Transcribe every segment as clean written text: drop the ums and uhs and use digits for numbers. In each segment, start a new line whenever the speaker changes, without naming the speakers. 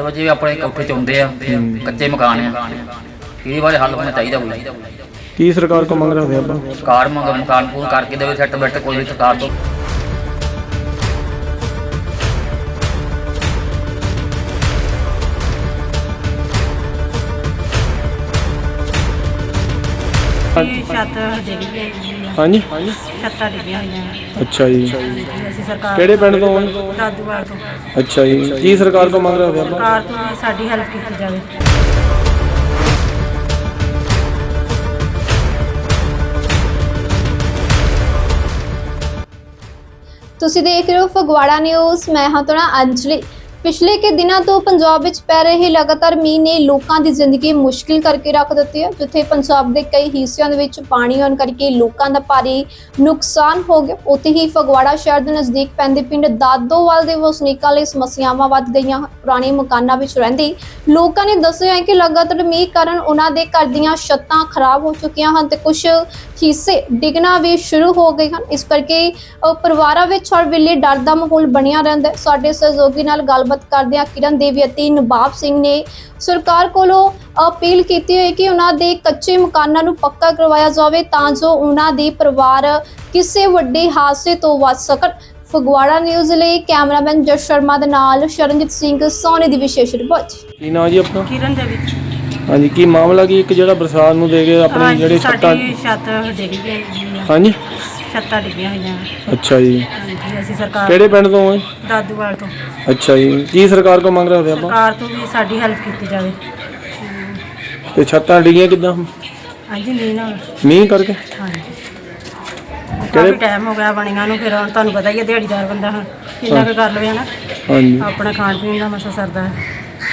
ਵਜੇ ਵੀ ਆਪਣੇ ਕੋਠੇ 'ਚ ਆਉਂਦੇ ਆ, ਕੱਚੇ ਮਕਾਨ ਆ, ਇਹਦੇ ਬਾਰੇ ਹੱਲ ਹੋਣਾ ਚਾਹੀਦਾ ਕੋਈ।
ਕੀ ਸਰਕਾਰ ਕੋ ਮੰਗ ਰਹੇ ਆਪਾਂ?
ਸਰਕਾਰ ਮਕਾਨ ਪੂਰਨ ਕਰਕੇ ਦੇਵੇ, ਸੈੱਟ ਬੈਠ ਕੋਈ ਵੀ ਸਰਕਾਰ ਤੋਂ।
ਛੱਤ ਡਿੱਗ ਗਈ।
ਹਾਂਜੀ,
ਛੱਤਾਂ ਡਿੱਗੀਆਂ ਹੋਈਆਂ।
ਅੱਛਾ ਜੀ।
ਅਸੀਂ ਸਰਕਾਰ
ਕਿਹੜੇ ਪਿੰਡ ਤੋਂ?
ਦਾਦੂਵਾਲ ਤੋਂ।
ਅੱਛਾ ਜੀ। ਕੀ ਸਰਕਾਰ ਕੋ ਮੰਗ ਰਹੇ ਆਪਾਂ?
ਸਰਕਾਰ ਤੋਂ ਸਾਡੀ ਹੈਲਪ ਕੀਤੀ ਜਾਵੇ।
ਤੁਸੀਂ ਦੇਖ ਰਹੇ ਹੋ ਫਗਵਾੜਾ ਨਿਊਜ਼। ਮੈਂ ਹਾਂ ਤੁਹਾਡਾ ਅੰਜਲੀ। ਪਿਛਲੇ ਕੇ ਦਿਨਾਂ ਤੋਂ ਪੰਜਾਬ ਵਿੱਚ ਪੈ ਰਹੇ ਲਗਾਤਾਰ ਮੀਂਹ ਨੇ ਲੋਕਾਂ ਦੀ ਜ਼ਿੰਦਗੀ ਮੁਸ਼ਕਿਲ ਕਰਕੇ ਰੱਖ ਦਿੱਤੀ ਹੈ। ਜਿੱਥੇ ਪੰਜਾਬ ਦੇ ਕਈ ਹਿੱਸਿਆਂ ਦੇ ਵਿੱਚ ਪਾਣੀ ਆਉਣ ਕਰਕੇ ਲੋਕਾਂ ਦਾ ਭਾਰੀ ਨੁਕਸਾਨ ਹੋ ਗਿਆ, ਉੱਥੇ ਹੀ ਫਗਵਾੜਾ ਸ਼ਹਿਰ ਦੇ ਨਜ਼ਦੀਕ ਪੈਂਦੇ ਪਿੰਡ ਦਾਦੋਵਾਲ ਦੇ ਵਸਨੀਕਾਂ ਲਈ ਸਮੱਸਿਆਵਾਂ ਵੱਧ ਗਈਆਂ। ਪੁਰਾਣੇ ਮਕਾਨਾਂ ਵਿੱਚ ਰਹਿੰਦੇ ਲੋਕਾਂ ਨੇ ਦੱਸਿਆ ਹੈ ਕਿ ਲਗਾਤਾਰ ਮੀਂਹ ਕਾਰਨ ਉਹਨਾਂ ਦੇ ਘਰ ਦੀਆਂ ਛੱਤਾਂ ਖਰਾਬ ਹੋ ਚੁੱਕੀਆਂ ਹਨ ਤੇ ਕੁਝ ਹਿੱਸੇ ਡਿੱਗਣਾ ਵੀ ਸ਼ੁਰੂ ਹੋ ਗਏ ਹਨ। ਇਸ ਕਰਕੇ ਪਰਿਵਾਰਾਂ ਵਿੱਚ ਹਰ ਵੇਲੇ ਡਰ ਦਾ ਮਾਹੌਲ ਬਣਿਆ ਰਹਿੰਦਾ ਹੈ। ਸਾਡੇ ਸਹਿਯੋਗੀ ਨਾਲ ਗੱਲਬਾਤ ਕਰਦਿਆਂ ਕਿਰਨ ਦੇਵੀ ਅਤੇ ਨਵਾਬ ਸਿੰਘ ਨੇ ਸਰਕਾਰ ਕੋਲੋਂ ਅਪੀਲ ਕੀਤੀ ਹੈ ਕਿ ਉਹਨਾਂ ਦੇ ਕੱਚੇ ਮਕਾਨਾਂ ਨੂੰ ਪੱਕਾ ਕਰਵਾਇਆ ਜਾਵੇ ਤਾਂ ਜੋ ਉਹਨਾਂ ਦੇ ਪਰਿਵਾਰ ਕਿਸੇ ਵੱਡੇ ਹਾਦਸੇ ਤੋਂ ਬਚ ਸਕਣ। ਫਗਵਾੜਾ ਨਿਊਜ਼ ਲਈ ਕੈਮਰਾਮੈਨ ਜਸ ਸ਼ਰਮਾ ਦੇ ਨਾਲ ਸ਼ਰਨਜੀਤ ਸਿੰਘ ਸੋਨੀ ਦੀ ਵਿਸ਼ੇਸ਼ ਰਿਪੋਰਟ।
ਕੀ ਨਾਂ ਜੀ ਆਪਣਾ?
ਕਿਰਨ ਦੇ ਵਿੱਚ
ਹਾਂਜੀ, ਕੀ ਮਾਮਲਾ ਕੀ ਇੱਕ ਜਿਹੜਾ ਬਰਸਾਤ ਨੂੰ ਦੇ ਕੇ ਆਪਣੀ ਜਿਹੜੇ ਛੱਤਾਂ?
ਸਾਡੀ ਛੱਤ ਡਿੱਗ ਗਈ।
ਹਾਂਜੀ,
ਛੱਤਾਂ ਡਿੱਗੀਆਂ ਹੋਈਆਂ।
ਅੱਛਾ ਜੀ।
ਹਾਂਜੀ, ਅਸੀਂ ਸਰਕਾਰ
ਕਿਹੜੇ ਪਿੰਡ ਤੋਂ ਹੈ?
ਦਾਦੂਵਾਲ ਤੋਂ।
ਅੱਛਾ ਜੀ। ਕੀ ਸਰਕਾਰ ਕੋ ਮੰਗ ਰਹੇ ਆਪਾਂ?
ਸਰਕਾਰ ਤੋਂ ਵੀ ਸਾਡੀ ਹੈਲਪ ਕੀਤੀ ਜਾਵੇ।
ਤੇ ਛੱਤਾਂ ਡਿੱਗੀਆਂ ਕਿੱਦਾਂ?
ਹਾਂਜੀ, ਮੀਂਹ ਨਾਲ।
ਮੀਂਹ ਕਰਕੇ?
ਹਾਂਜੀ, ਕਾਫੀ ਟਾਈਮ ਹੋ ਗਿਆ ਬਣੀਆਂ ਨੂੰ। ਫਿਰ ਹੁਣ ਤੁਹਾਨੂੰ ਪਤਾ ਹੀ ਹੈ, ਦਿਹਾੜੀਦਾਰ ਬੰਦਾ ਹੁਣ ਕਿੰਨਾ ਕੁ ਕਰ ਲਵੇ ਹਨਾ।
ਹਾਂਜੀ।
ਆਪਣਾ ਖਾਣ ਪੀਣ ਦਾ ਮਸਾ ਸਰਦਾ ਹੈ।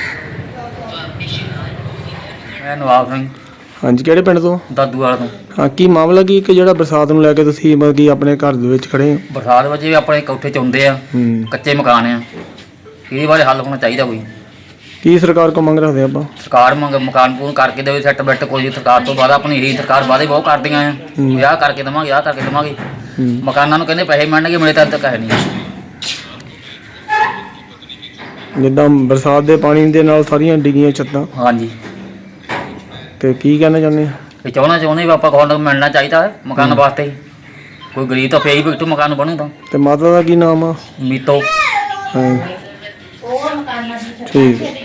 ਮੈਂ ਨਵਾਬ ਸਿੰਘ,
ਹਾਂਜੀ, ਕਿਹੜੇ ਪਿੰਡ ਤੋਂ?
ਦਾਦੂਵਾਲ ਤੋਂ।
ਹਾਂ, ਕੀ ਮਾਮਲਾ ਕੀ ਇੱਕ ਜਿਹੜਾ ਬਰਸਾਤ ਨੂੰ ਲੈ ਕੇ ਤੁਸੀਂ ਮਤਲਬ ਕਿ ਆਪਣੇ ਘਰ ਦੇ ਵਿੱਚ ਖੜੇ ਹੋ?
ਬਰਸਾਤ ਵਜੇ ਵੀ ਆਪਣੇ ਕੋਠੇ 'ਚ ਆਉਂਦੇ ਆ, ਕੱਚੇ ਮਕਾਨ ਆ, ਇਹਦੇ ਬਾਰੇ ਹੱਲ ਹੋਣਾ ਚਾਹੀਦਾ ਕੋਈ।
ਕੀ ਸਰਕਾਰ ਕੋ ਮੰਗ ਰਹੇ ਆਪਾਂ?
ਸਰਕਾਰ ਮਕਾਨ ਪੂਰਨ ਕਰਕੇ ਦੇਵੇ, ਸੈੱਟ ਬੈਠ ਕੋਈ ਵੀ ਸਰਕਾਰ ਤੋਂ। ਬਾਅਦ ਆਪਣੀ ਇਹੀ ਸਰਕਾਰ ਵਾਅਦੇ ਬਹੁਤ ਕਰਦੀਆਂ ਆ, ਵਿਆਹ ਕਰਕੇ ਦੇਵਾਂਗੇ, ਆਹ ਕਰਕੇ ਦੇਵਾਂਗੇ। ਮਕਾਨਾਂ ਨੂੰ ਕਹਿੰਦੇ ਪੈਸੇ ਮਿਲਣਗੇ, ਮਿਲੇ ਤਾਂ ਤੱਕ ਹੈ ਨਹੀਂ।
ਜਿੱਦਾਂ ਬਰਸਾਤ ਦੇ ਪਾਣੀ ਦੇ ਨਾਲ ਸਾਰੀਆਂ ਡਿੱਗੀਆਂ ਛੱਤਾਂ,
ਹਾਂਜੀ,
ਤੇ ਕੀ ਕਹਿਣਾ ਚਾਹੁੰਦੇ ਆ?
ਇਹ ਚਾਹੁੰਦੇ ਵੀ ਆਪਾਂ ਕੋਲ ਮਿਲਣਾ ਚਾਹੀਦਾ ਹੈ ਮਕਾਨ ਵਾਸਤੇ। ਕੋਈ ਗਰੀਬ ਤਾਂ ਪਈ ਬੈਠੂ ਮਕਾਨ ਬਣੂ ਤਾਂ।
ਤੇ ਮਾਤਾ ਦਾ ਕੀ ਨਾਮ ਆ?
ਮੀਤੋ।
ਹਾਂ, ਠੀਕ ਹੈ।